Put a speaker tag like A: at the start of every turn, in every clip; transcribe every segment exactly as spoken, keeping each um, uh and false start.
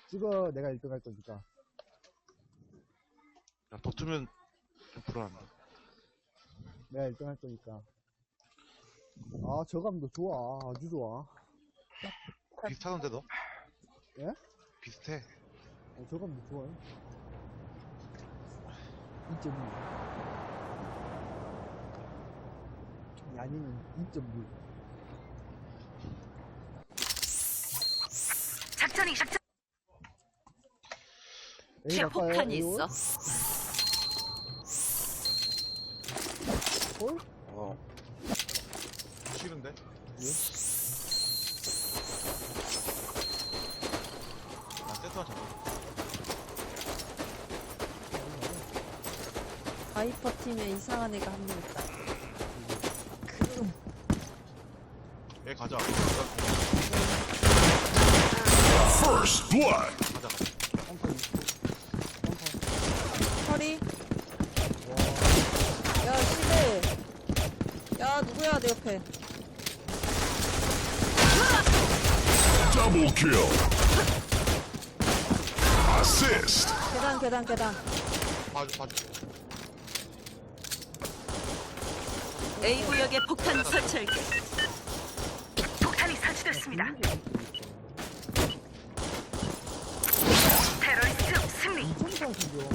A: 찍어. 내가 일 등 할 거니까.
B: 야, 붙으면 좀 불안한다.
A: 내가 일 등 할 거니까. 아, 저감도 좋아. 아주 좋아.
B: 비슷하던데, 너?
A: 예?
B: 비슷해.
A: 어, 저감도 좋아요. 이 점 이. 야니는 이 점 육.
C: 작전이 작전.
A: 에이,
C: 제
A: 갈까요?
C: 폭탄이
A: 에이, 올?
C: 있어.
A: 올?
D: 어.
B: 싫은데?
A: 예?
B: 나 세트만 잡아.
E: 바이퍼 팀에 이상한 애가 한 명 있다.
B: 얘 가자.
F: First blood.
B: 가자, 가자.
A: 펑커 있고. 펑커.
E: 허리. 야, 시대. 야, 누구야, 내 옆에.
F: Double kill. Assist.
E: 계단, 계단, 계단.
B: 봐줘, 봐줘.
C: A 구역에 폭탄 설치할게. 폭탄이 설치됐습니다. 테러리스트 승리.
A: 이천사 신경.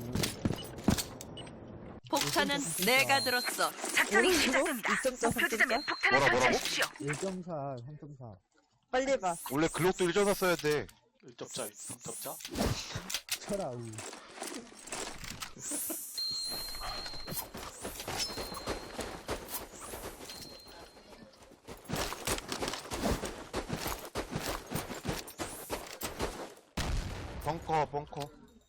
C: 폭탄은 내가 들었어. 작전이
E: 뭐라고?
C: 시작됩니다.
E: 이 점 사,
C: 목표 지점에
E: 삼 점 사?
C: 폭탄을
B: 뭐라, 뭐라고?
C: 설치하십시오.
A: 일 점 사, 삼 점 사.
E: 빨리 해봐.
B: 원래 글록도 일 점 써야 돼.
D: 일 점짜, 삼 점짜?
A: 쳐라, 우.
B: 벙커, 벙커.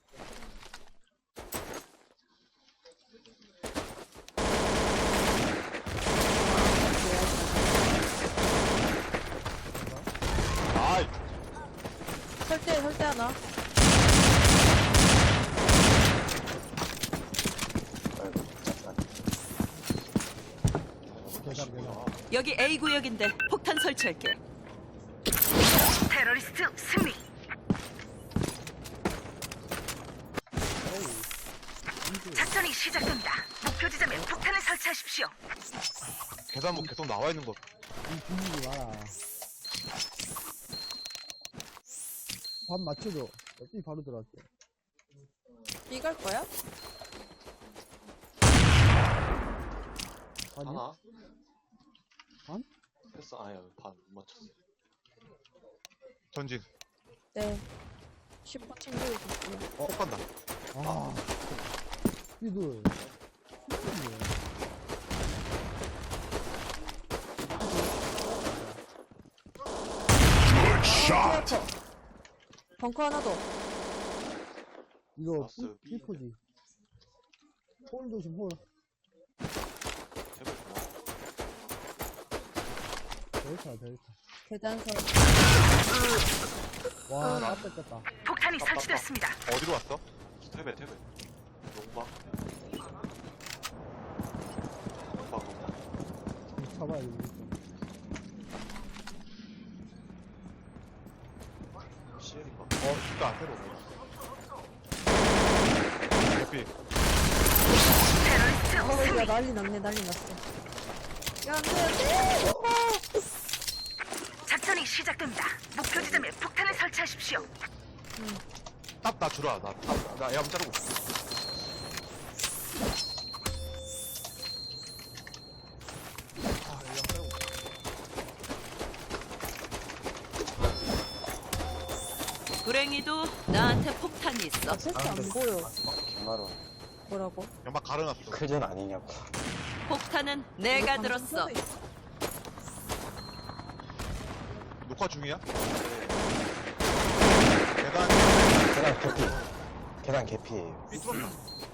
B: 아이,
E: 설대, 설대 하나.
D: 아이고, 잠깐.
A: 계단, 계단.
C: 여기 A 구역인데 폭탄 설치할게. 테러리스트 승리. 작전이 시작됩니다. 목표 지점에 폭탄을 설치하십시오.
B: 계단 뭐 계속 나와 있는 거.
A: 이 분위기 와라. 밥 맞춰줘. 삐 바로 들어왔대.
E: B 갈 거야?
A: 아니?
D: 하나?
A: 반?
D: 했어, 아야, 반 못 맞췄어.
B: 전진.
E: 네. 슈퍼 챙기고 있어요.
B: 어, 폭 간다.
A: 아. 삐들.
F: Good shot.
E: 벙커 하나 더.
A: 이거
D: 봤어요,
A: 삐- 삐포지. 홀 조심, 홀.
D: 해볼까?
A: 델타, 델타.
E: 계단 설.
A: 와, 나 뺏겼다.
C: 폭탄이 설치됐습니다.
B: 어디로 왔어?
D: 태베, 태베. 농박. 농박, 농박.
A: 잡아야 돼.
D: 시엘인가?
B: 어, 진짜 안 새로. 대피.
C: 테러리스트
E: 어, 야,
C: 승리.
E: 난리 났네, 난리 났어. 야, 안 돼, 안 돼! 오빠!
C: 작전이 시작됩니다. 목표 지점에 폭탄을 설치하십시오.
B: 탑, 나 주라. 나 탑, 나 애함 자르고. 아, 애함 자르고.
C: 불행히도 나한테 폭탄이 있어.
E: 아, 패스 안 보여.
D: 김마루.
E: 뭐라고?
B: 연막 가려놨어.
D: 클전 아니냐고.
C: 폭탄은 내가 들었어.
B: 녹화 중이야? 계단,
D: 계단 개피. 계단 개피예요.
B: 삐 뚫었나?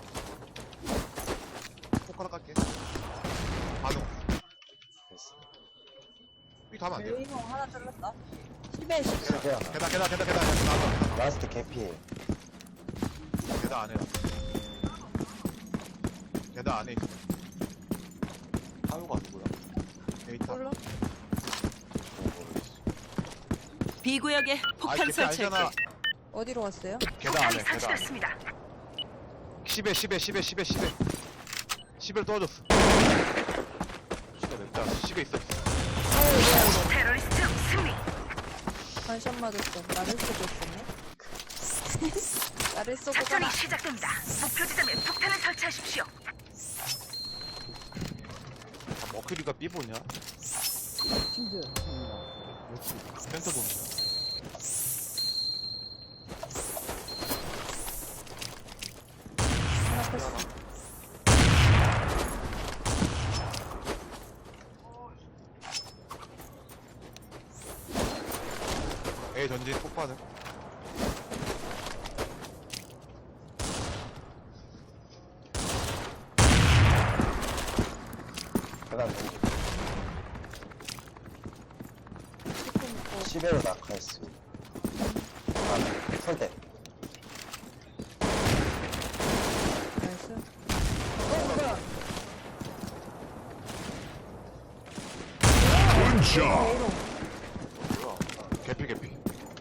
B: 손가락 갈게. 반응.
D: 됐어.
B: 삐 가면 안 돼요.
E: 레이너 하나 잘랐다. 십에 십.
D: 계단, 계단.
B: 계단, 계단, 계단, 계단. 계단,
D: 라스트 개피예요.
B: 계단 안에. 계단 안에 있어.
D: 하유가 누구야?
B: 데이터.
E: 몰라?
D: 모르겠어.
C: B 구역에
B: 아,
C: 폭탄
B: 개피 아니잖아.
C: 설치할게.
E: 어디로 갔어요?
B: 계단 안에,
C: 폭탄이
B: 계단 안에.
C: 설치됐습니다.
B: 십에, 십에, 십에, 십에, 십에. 십에 떨어졌어. 십에 냈다. 십에 있어.
C: 테러리스트 승리.
E: 반샷 맞았어. 나를 쏘고 있었네. 나를 쏘고
C: 작전이
E: 가라.
C: 시작됩니다. 목표 지점에 폭탄을 설치하십시오.
B: 아, 머큐리가 B 보냐?
A: 치즈 합니다. 역시.
B: 센터 보냐?
E: 하나 뺐어.
B: A 전진 폭파는.
D: 계단 던지.
E: 조금 더.
D: 십에로 낙하했습니다. 아, 설대.
E: 나이스. 어, 뭐야?
F: Good job.
E: 에이로.
B: 개피, 개피.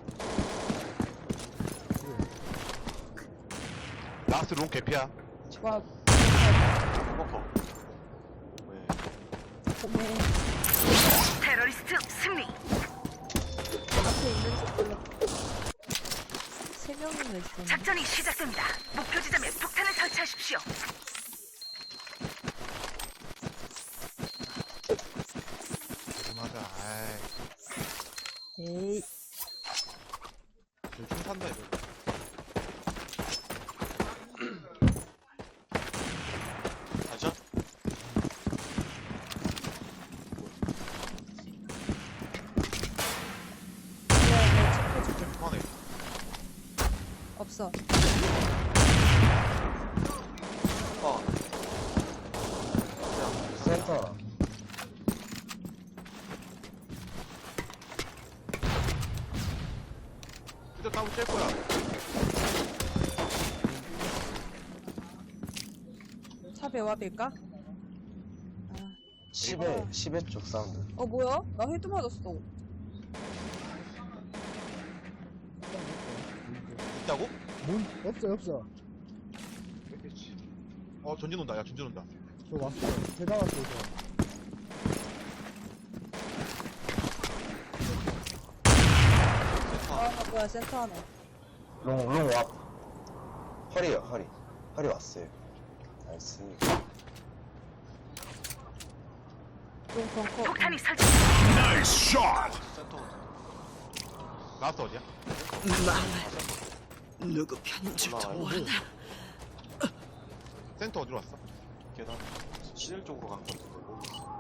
B: 라스트 롱 개피야.
E: 와,
D: 커버. 왜?
E: 네.
C: 테러리스트 승리.
E: 앞에 있는지 몰라. 세 명이나 있었네.
C: 작전이 시작됩니다. 목표 지점에 폭탄을 설치하십시오.
B: 맞아. 아이.
E: 에이,
B: 총 산다, 이거.
D: 가자.
E: 내가 내가 체크해줄게.
B: 그만해.
E: 없어.
D: 어. 센터.
B: 진짜 따고 뗄 거야.
E: 차 배합일까? 아,
D: 십에, 십에 쪽 사운드.
E: 어 뭐야? 나 헤드 맞았어.
B: 있다고?
A: 문 없어 없어.
B: 있겠지. 어, 전진 온다. 야, 전진 온다.
A: 저 왔어. 계단 왔어 저.
E: 아 뭐야 센터 하나.
D: 롱, 롱 와. 허리요, 허리. 허리 왔어요. 나이스.
E: 좀 벙커.
C: 폭탄이 설치.
F: Nice shot.
B: 라스트 어디야?
C: 누구 편인 줄
D: 올라와요.
B: 센터 어디로 왔어?
D: 계단. 시일 쪽으로 간 것 같은데. 모르겠어.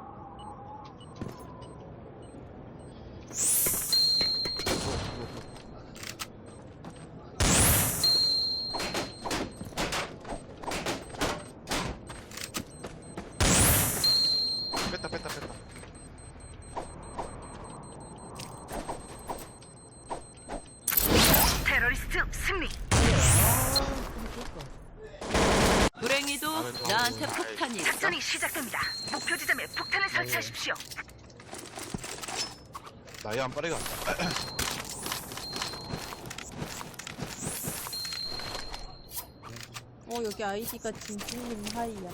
B: 뺐다, 뺐다, 뺐다.
C: 테러리스트 승리. 불행히도 나한테 폭탄이 있어. 작전이 시작됩니다. 목표 지점에 폭탄을 설치하십시오.
B: 나이 안 빠르게 간다.
E: 어 여기 아이디가 진진님 하이야.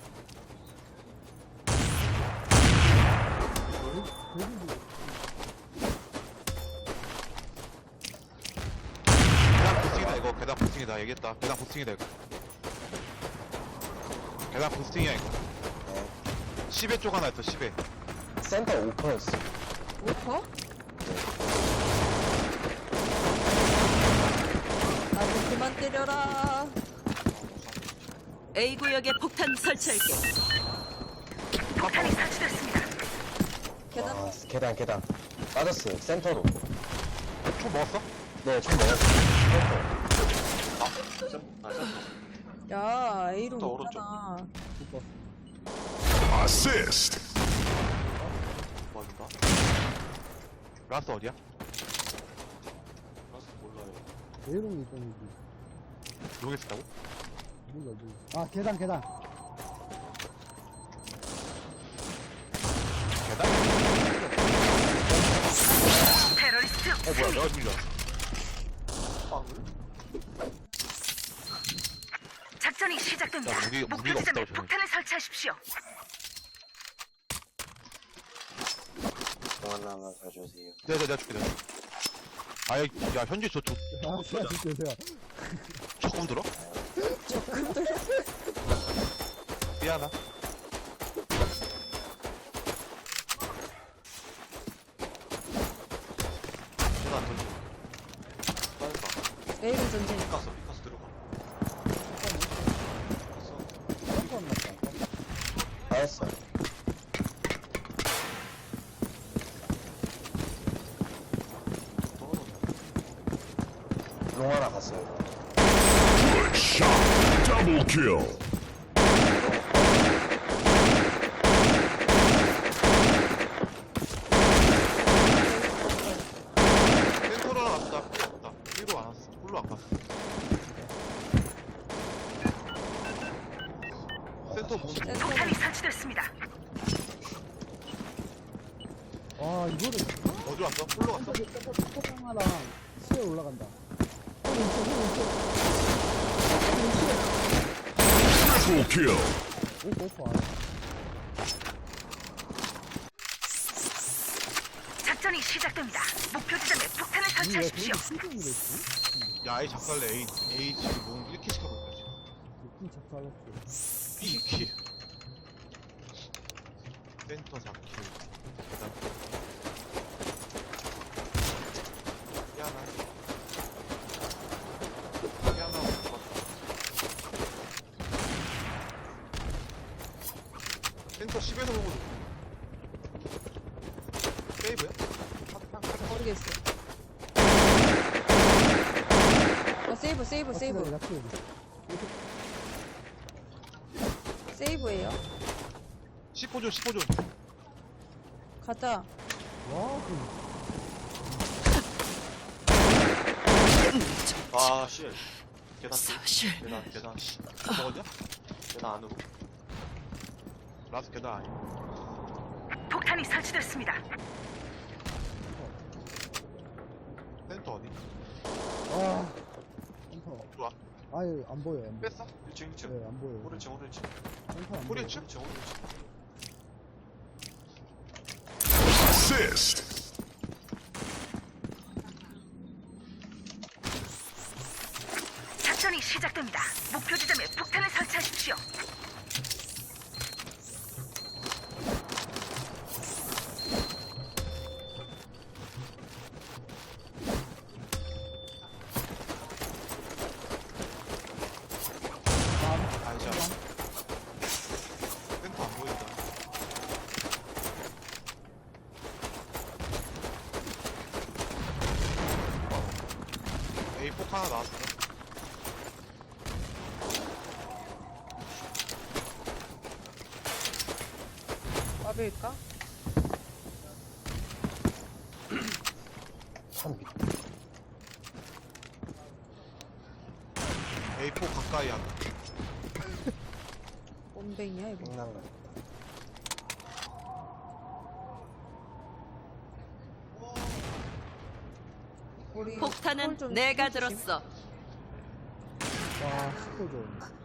B: 계단 부스팅이다, 이거. 계단 부스팅이다. 얘기했다. 계단 부스팅이다, 이거. 계단 부스팅이야, 이거.
D: 네.
B: 십에 쪽 하나 있어, 십에.
D: 센터 오퍼였어.
E: 오퍼? 나도 그만 때려라.
C: A 구역에 폭탄 설치할게. 폭탄이 설치됐습니다.
E: 계단
D: 아, 계단, 계단. 빠졌어요. 센터로.
B: 총 먹었어?
D: 네, 총 먹었어요.
E: 야 A로
D: 또 오른쪽.
E: 있잖아.
F: Assist.
D: 뭐인가?
B: 라스트 어디야?
D: 몰라요.
A: 내롱이 있던지.
B: 여기 있었다고?
A: 몰라 몰라. 아 계단 계단.
B: 계단?
C: 테러리스트
B: 어, 뭐야, 내가 죽이려.
D: 빵을?
C: 작전이 시작됩니다.
B: 야, 무기-
C: 목표
B: 무기가
C: 지점에
B: 없다고, 저는.
C: 폭탄을 설치하십시오.
D: 동안 하나 더 주세요.
B: 내가 내가 줄게 내가 줄게. 아야 야 현지 저, 저
A: 아, 제가 줄게요.
B: 조금 들어? 미안하.
G: 계단 던져. 빠졌다.
E: 내일은 전쟁.
G: 피카스, 피카스 들어가.
A: 깜짝 났다.
D: 받았어. 롱 하나 갔어요.
F: Good shot. Double kill.
B: 센터로 왔다. 왔다. 일로 안 왔어. 홀로 안 갔어. 센터 문.
C: 폭탄이 설치됐습니다.
A: 아, 이거를
B: 어디로 왔어? 홀로 갔어?
A: 포장하랑 시에 올라간다. 어, 왼쪽, 왼쪽.
F: Triple kill.
A: 오, 오퍼.
C: 작전이 시작됩니다. 목표 지점에 폭탄을
A: 이게 왜
C: 설치하십시오.
A: 그렇게 실종이 됐지?
B: 야 A 작살래 A. A 지금 몸 이렇게 시켜볼 거지.
A: 느낌 작살났어.
B: B 킬. 센터 사 킬. 계단. 미안하. 미안하. 센터 십에서 보고 세이브야?
E: 모르겠어. 어, 세이브, 세이브, 세이브.
A: 약해.
E: 세이브예요.
B: 십오 존 십오 존.
E: 가자.
A: 와, 그,
G: 아, 씨. 계단 뚫.
C: 사실
G: 계단, 계단.
B: 먹었냐?
G: 계단 안으로.
B: 라스 계단 아니야.
C: 폭탄이 설치됐습니다.
B: 센터 어디?
A: 아, 센터.
B: 좋아.
A: 아예 안 보여, 안 보여.
B: 뺐어?
G: 일 층, 일 층.
A: 네, 안 보여.
G: 오른쪽, 오른쪽.
A: 센터 안
B: 꼬리
A: 보여.
B: 치?
G: 오른쪽, 오른쪽.
F: Assist.
C: 작전이 시작됩니다. 목표 지점에 폭탄을 설치하십시오.
B: 아니야. 센터 안 보인다. A 폭 하나 나왔어.
E: 와빌까?
B: A 폭 가까이 하나.
E: bom뱅이야, 이거.
D: 끝난 거.
E: 우리
C: 폭탄은
E: 홀 좀
C: 내가
E: 조심.
C: 들었어.
A: 와, 십오 점.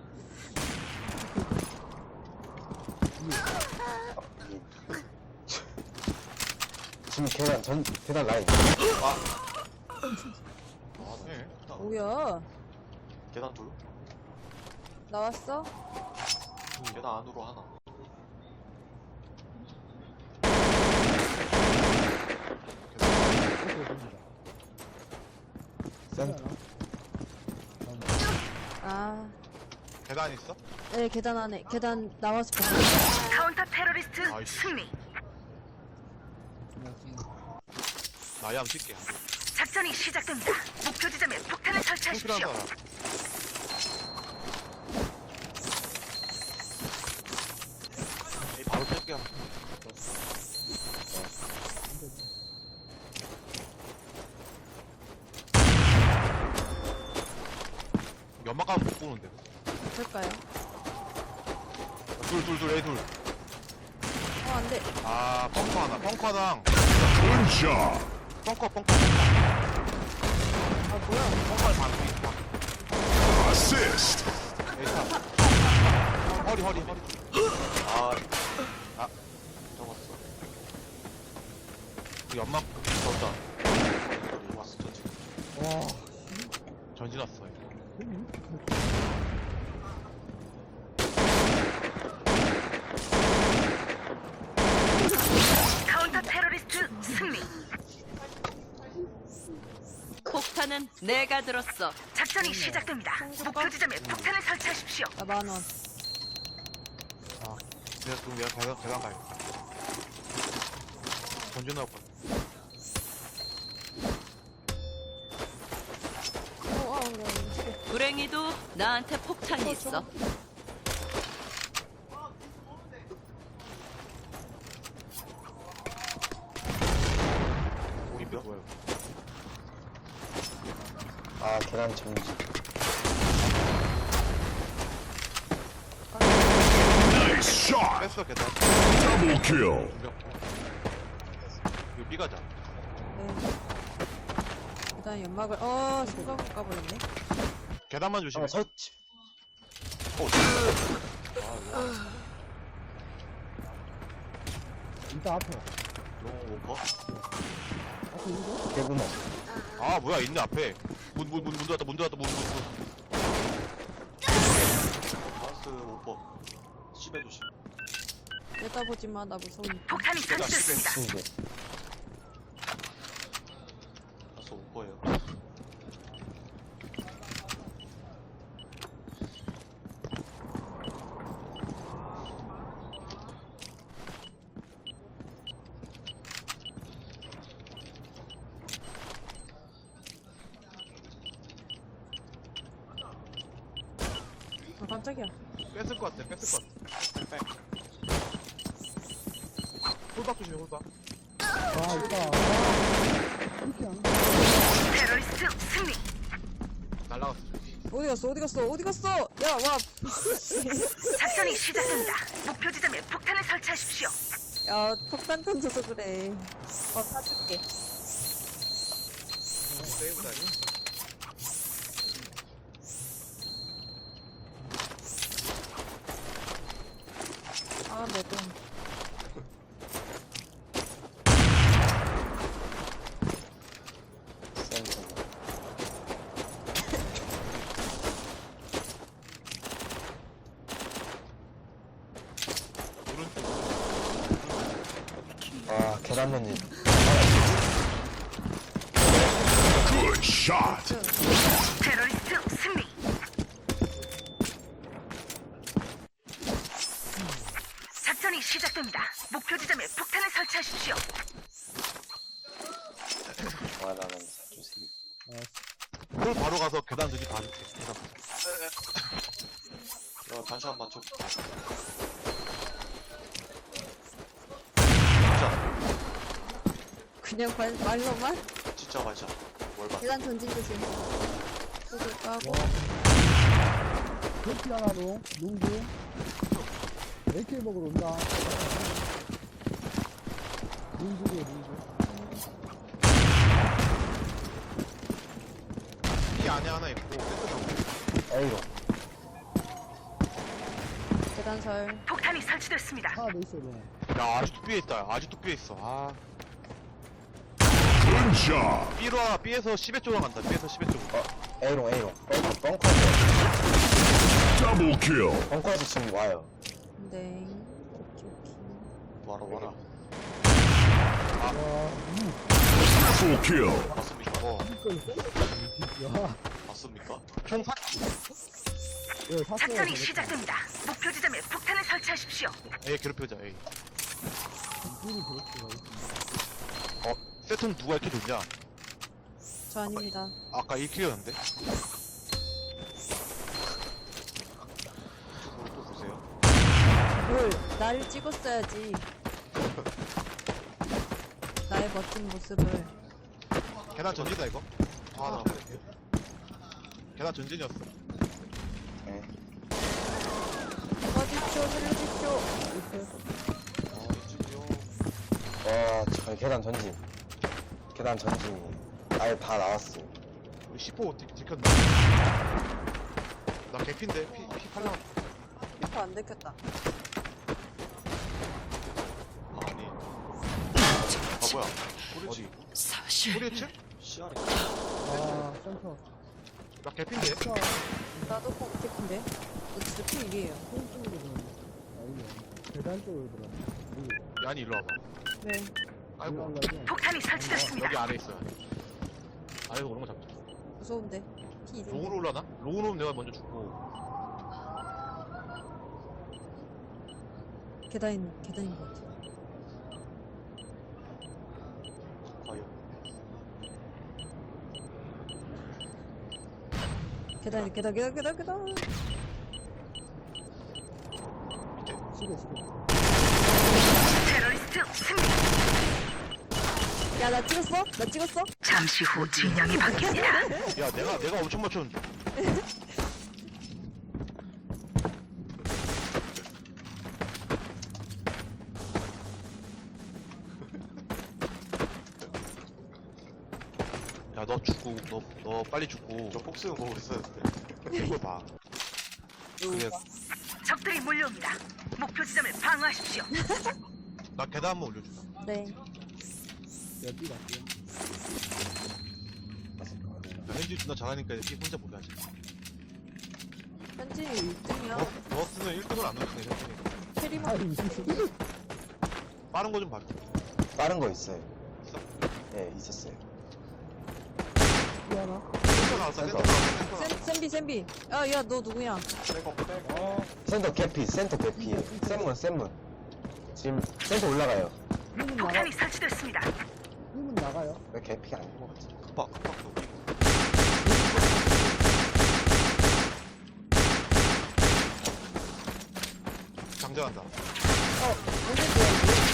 D: 지금 계단 전 계단 라인.
G: 아,
B: 네.
E: 뭐야?
G: 계단 둘.
E: 나왔어?
G: 계단 안으로 하나.
A: 오퍼 됩니다.
D: 센터.
E: 아,
B: 계단 있어?
E: 네, 계단 안에. 계단 나와서 봐.
C: 카운터 테러리스트
B: 아이씨.
C: 승리.
B: 나이 한번 칠게.
C: 작전이 시작됩니다. 목표 지점에 폭탄을
B: 필요한
C: 설치하십시오.
B: 사람.
G: 에이, 바로 뺄게요.
B: 연막 가면 못 보는데.
E: 될까요?
B: 둘, 둘, 둘, A 둘.
E: 어, 안 돼.
B: 아, 펑커 하나. 펑커당.
F: Good job.
B: 펑커, 펑커, 펑커.
E: 아, 뭐야?
B: 펑커에 반피.
F: Assist.
B: A 탑. 던지놨어.
C: 카운터 테러리스트 승리. 폭탄은 내가 들었어. 작전이 시작됩니다. 목표 지점에 폭탄을 설치하십시오.
E: 나 만원.
B: 내가 그럼 내가 계단, 계단 가야겠다. 던져놓을 거야.
E: 어, 아, 그래. 미치겠다.
C: 불행히도 나한테 폭탄이 있어.
B: 오, 이거 뭐야?
D: 아, 계단 전지.
F: Nice shot.
B: 뺐어, 계단.
F: Double kill.
B: 이거 삐가자.
E: 네. 일단 연막을, 어, 생각을 까버렸네.
B: 계단만 조심해.
D: 아, 설치.
A: 일단 앞에.
G: 너무 오버?
A: 앞에 있는데?
D: 개구멍.
B: 아, 뭐야, 있네, 앞에. 문, 문, 문, 문 들어왔다, 문 들어왔다, 문, 문, 문.
G: 마우스 오버. 십에 조심.
E: 내다보지 마, 나 무서우니까.
C: 폭탄이 설치됐습니다.
D: 신기.
G: 마우스 오버예요.
E: 아, 깜짝이야.
B: 뺐을 것 같아, 뺐을 것 같아. 백. 홀박 조심해, 홀박.
A: 아, 있다. 아, 이렇게 안 돼.
C: 테러리스트 승리.
B: 날라갔어.
E: 어디 갔어, 어디 갔어, 어디 갔어! 야, 와!
C: 작전이 시작됩니다. 목표 지점에 폭탄을 설치하십시오.
E: 야, 폭탄 던져서 그래. 어, 사줄게.
B: 세이브다니?
E: 아, 내 돈.
D: 센터.
B: 오른쪽.
D: 아, 계단 전지.
F: Good shot.
C: 테러리스트 승리. 작전이 시작됩니다. 목표 지점에 폭탄을 설치하십시오.
D: 말하면서 주세요.
B: 홀 바로 가서 계단 저기 봐줄게. 계단.
G: 야, 단시 한 맞춰.
E: 그냥 말, 말로만?
G: 진짜 맞아. 뭘 봐.
E: 계단 전진 조심. 속을 까고.
A: 그렇지 하나로, 농구. 에이케이 먹으러 온다. 농구에 농구.
B: 이 안에 하나 있고, 세트
D: A로.
E: 계단설.
C: 폭탄이 설치됐습니다.
A: 하나 더 있어야 돼.
B: 야, 아직도 B에 있다. 아직도 B에 있어. 아.
F: Good job.
B: B로 하나, B에서 십에 쪽으로 간다. B에서 십에 쪽.
D: 어, A로, A로. 벙커, 벙커.
F: Double kill.
D: 벙커에서 지금 와요.
E: 네. 오케이, 오케이.
G: 와라, 와라.
A: 와, 음,
F: Triple kill.
G: 맞습니까?
B: 어.
A: 이걸 야,
G: 맞습니까?
B: 총 사,
A: 예, 샀어요.
C: 작전이 시작됩니다. 목표 지점에 폭탄을 설치하십시오.
B: A 괴롭혀자, A.
A: 이분이 그렇게
B: 어, 세트는 누가 이렇게 좋냐?
E: 저 아닙니다.
B: 아까 일 킬이었는데?
G: 이쪽으로 또 보세요.
E: 뭘, 나를 찍었어야지. 나의 멋진 모습을.
B: 계단 전진이다, 이거? 아,
G: 아.
B: 나 계단 전진이었어.
D: 네.
E: 어디쇼, 살려주쇼.
G: 아, 이쪽이요.
D: 와, 저 계단 전진. 계단 전진. 아예 다 나왔어요.
B: 우리 십오 디- 들켰네. 나 개피인데? 피, 피 팔려.
E: 이거 안 들켰다.
G: 아니. 아, 뭐야.
B: 어디?
C: 사실
B: 소리 층?
G: 시야리.
A: 아, 센터.
B: 나 개핀데?
A: 차,
E: 나도 꼭 개핀데. 너 진짜 피 일이에요.
A: 오른쪽으로 들어갔네. 아, 이거. 계단 쪽으로 들어갔네.
B: 야니 일로 와봐.
E: 네.
B: 아이고.
A: 올라가지?
C: 폭탄이 설치됐습니다.
B: 여기 안에 있어. 아래에서 오는 거 잡자.
E: 무서운데. 피 일.
B: 롱으로 올라나? 롱으로 오면 내가 먼저 죽고.
E: 계단인, 계단인 것 같아.
G: 과연.
E: 계단, 계단, 계단, 계단, 계단.
G: 밑에.
A: 시계, 시계.
C: 테러리스트 승리.
E: 야, 나 찍었어? 나 찍었어?
C: 잠시 후 진영이 바뀝니다.
B: 야, 내가, 내가 엄청 맞췄는데. 야, 너 죽고, 너, 너 빨리 죽고.
G: 저 폭스는 보고 있었는데.
B: 이걸 봐. 그래,
C: 적들이 몰려옵니다. 목표 지점을 방어하십시오.
B: 나 계단 한번 올려줘.
E: 네.
A: 야, 삐가, 삐가.
B: 야, 현지 존나 잘하니까 이렇게 혼자 못하지.
E: 현진이 일 등이야.
B: 너, 너 같으면 일 등을 안 넣었네, 현진이.
E: 캐리만.
A: 아이, 무슨.
B: 빠른 거 좀 봐줘.
D: 빠른 거 있어요.
B: 있어?
D: 네, 있었어요.
A: 삐 하나?
B: 센터 나왔어, 센터 나왔어, 센터 나왔어.
E: 센, 센비, 센비. 야, 야, 너 누구야?
G: 빼고 빼고.
A: 어,
D: 센터 개피, 센터 개피. 센문, 센문. 지금 센터 올라가요.
A: 힘은 나가,
C: 폭탄이 설치됐습니다.
A: 힘은 나가요.
D: 왜 개피가 아닌 것 같지?
G: 급박 급박도.
B: 장전한다.
E: 어, 뭔데,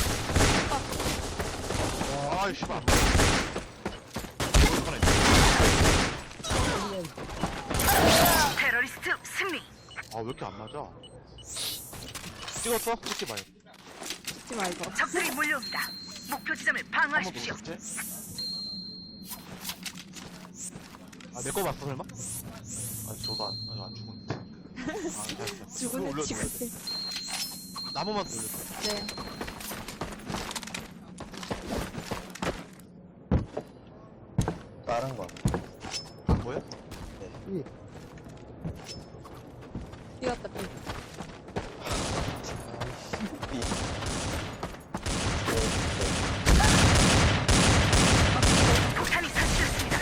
E: 뭐야,
B: 아이, 씨발.
C: 테러리스트 승리.
B: 아, 왜 이렇게 안 맞아? 찍었어? 찍지 마요.
E: 찍지 마, 이거.
C: 적들이 몰려옵니다. 목표 지점을
G: 한번
C: 방어하십시오.
G: 보셨지?
B: 아, 내 거 봤어, 설마?
G: 아니 저도 안, 아니 안 죽었는데.
B: 아, 잘했어.
E: 죽을래,
B: 올려,
E: 죽을래.
B: 나무만 돌렸어.
E: 네.
D: 빠른 거.
B: 안 보여?
A: 삐.
E: 뛰었다, 삐.
D: 삐.
C: 폭탄이 설치됐습니다.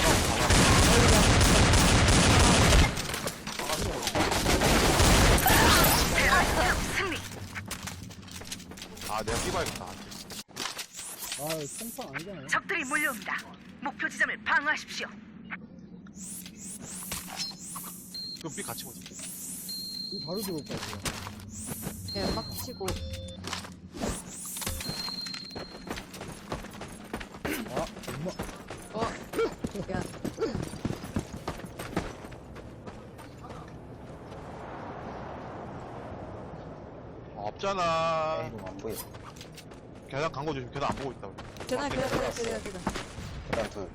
C: 테러리스트 승리.
B: 아, 내가 끼봐야겠다.
A: 아, 총판 아니잖아요.
C: 적들이 몰려옵니다. 목표 지점을 방어하십시오.
B: 그럼 삐 같이 보자.
A: 이 바로 들어올 것 같아요.
E: 야, 막 치고.
A: 아, 엄마.
E: 어. 야,
B: 아, 없잖아.
D: 에이, 너무 안 보여.
B: 계단 간 거 조심. 계단 안 보고 있다.
E: 계단, 계단, 계단, 계단, 계단.
D: 계단 둘.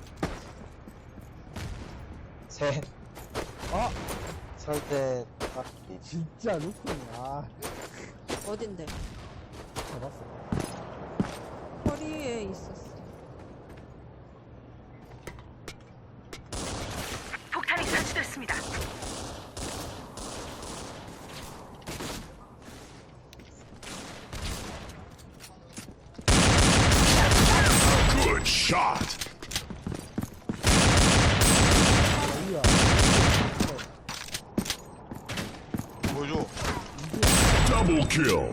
D: 셋.
A: 아,
D: 설대 탑 이.
A: 진짜 루크네. 아,
E: 어딘데?
A: 잡았어.
E: 허리에 있었어.
C: 폭탄이 설치됐습니다.
F: Good shot.
A: 어디야?
B: 보여줘.
F: Double kill.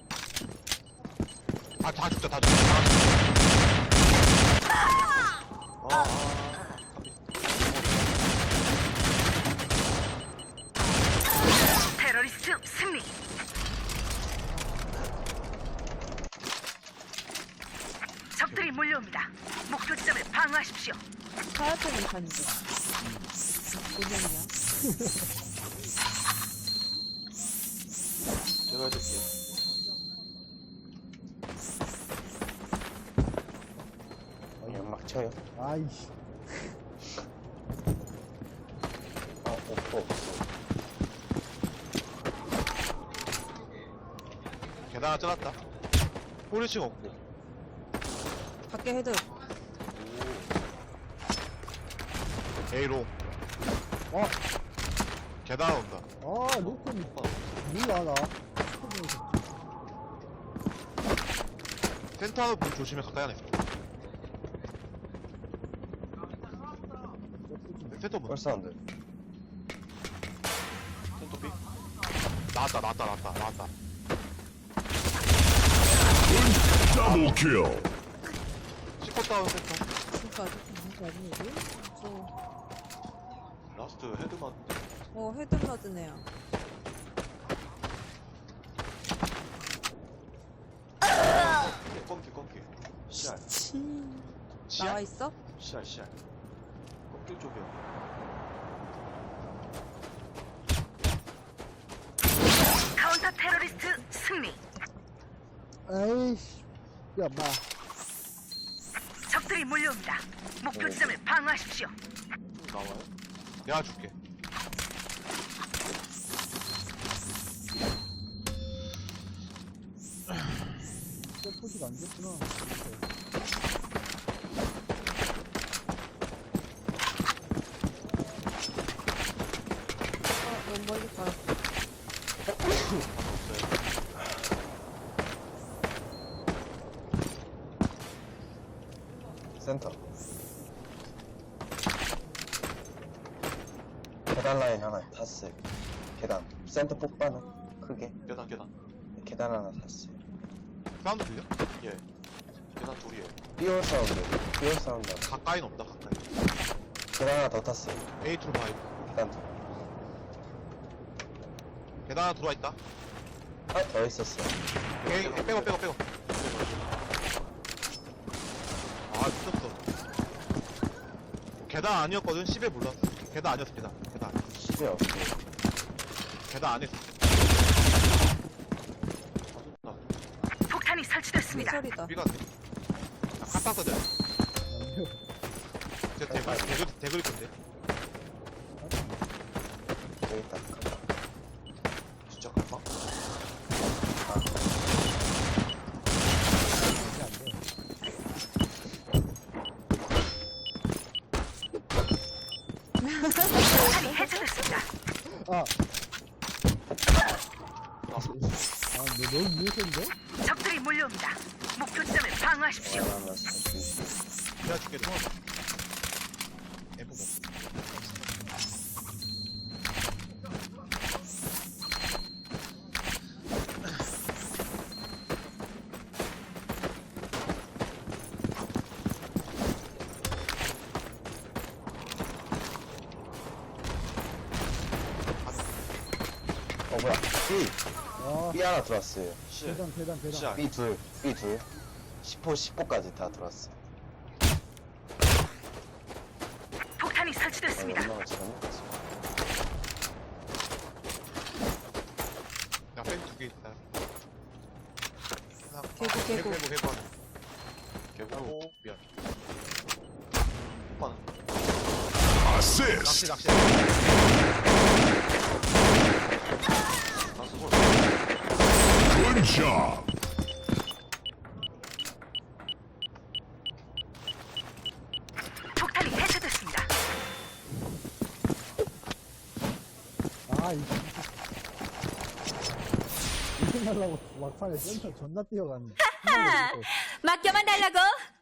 B: 아, 다 죽자, 다 죽자. 다 죽자.
G: 아,
C: 테러리스트 승리. 적들이 몰려옵니다. 목표 지점을 방어하십시오.
E: 하얗게 못하는데. 고정이야.
G: 제가 해줄게요.
D: 어, 연막 쳐요.
A: 아이씨.
D: 어, 없어, 없어.
B: 계단 하나 쪄놨다. 포리싱 없고.
E: 밖에 헤드.
B: A로.
A: 어,
B: 계단 온다.
A: 아, 로콘이 몰라, 나.
B: 센터 문 조심해, 가까이 안에 있어. 센터 문.
D: 펄사운드.
G: 센터 B.
B: 나왔다, 나왔다, 나왔다, 나왔다.
F: Double kill.
B: 씹고 다운 센터.
E: 진짜 아직 무슨 아니지? 저,
G: 라스트 헤드만.
E: 어, 헤드 맞은 애야.
G: 껌기 껌기. 씨알.
E: 치.
B: 시야?
E: 나와 있어?
G: 씨알 씨알. 껌기 쪽이야.
C: 카운터 테러리스트 승리.
A: 에이씨. 야, 마.
C: 적들이 몰려옵니다. 목표 지점을 방어하십시오.
G: 좀 나와요?
B: 내가 줄게.
A: 세포지가 안 좋구나.
E: 어, 너무 멀리 가.
D: 센터. 계단 라인 하나 탔어요. 계단. 센터 폭발은 크게.
G: 계단 계단.
D: 계단 하나 탔어요.
B: 사운드 들려?
G: 예. 계단 둘이에요.
D: 삐올 사운드. 삐올 사운드.
B: 가까이는 없다, 가까이.
D: 계단 하나 더 탔어요.
B: 에이 투로 봐.
D: 계단 둘.
B: 계단 하나 들어와 있다.
D: 아, 더 있었어요.
B: 에이, 빼고, 빼고, 빼고. 아, 미쳤어. 계단 아니었거든? 십에 몰랐어. 계단 아니었어, 계단. 계단.
D: 십이 없어요.
B: 계단 안에 있어.
G: 나
C: 폭탄이 설치됐습니다.
E: 소리다.
B: B가 돼. 아, 카타 써져. 진짜 대글, 대글, 대글일 건데.
D: 여기 있다.
G: 진짜 갈까?
C: 폭탄이 해체됐습니다.
A: 아. 아, 너 너무 무서운데?
C: 적들이 몰려옵니다. 목표 지점을 방어하십시오.
D: 하나 샀어요.
B: 내가 줄게, 통화. 에프 먹.
D: 어, 뭐야. B.
A: 아,
D: B 하나 들어왔어요.
G: 씨알.
A: 계단, 계단, 계단.
G: 씨알.
D: B 둘. B 둘. 십 호, 십 호까지 다 들어왔어요.
C: 폭탄이
D: 아,
C: 설치됐습니다.
D: 연마가 잘못 갔어.
B: 야, 뺀두개 있다. 하나,
E: 개구, 개구.
B: 개구, 개구 하나.
G: 개구.
B: 미안.
G: 오빠는
B: 낚시,
F: Assist.
B: 낚시.
G: 라스트 볼.
F: Good job.
C: 폭탄이 해체됐습니다.
A: 아, 이 이승 하려고 막판에 센터 존나 뛰어갔네.
C: 맡겨만 달라고.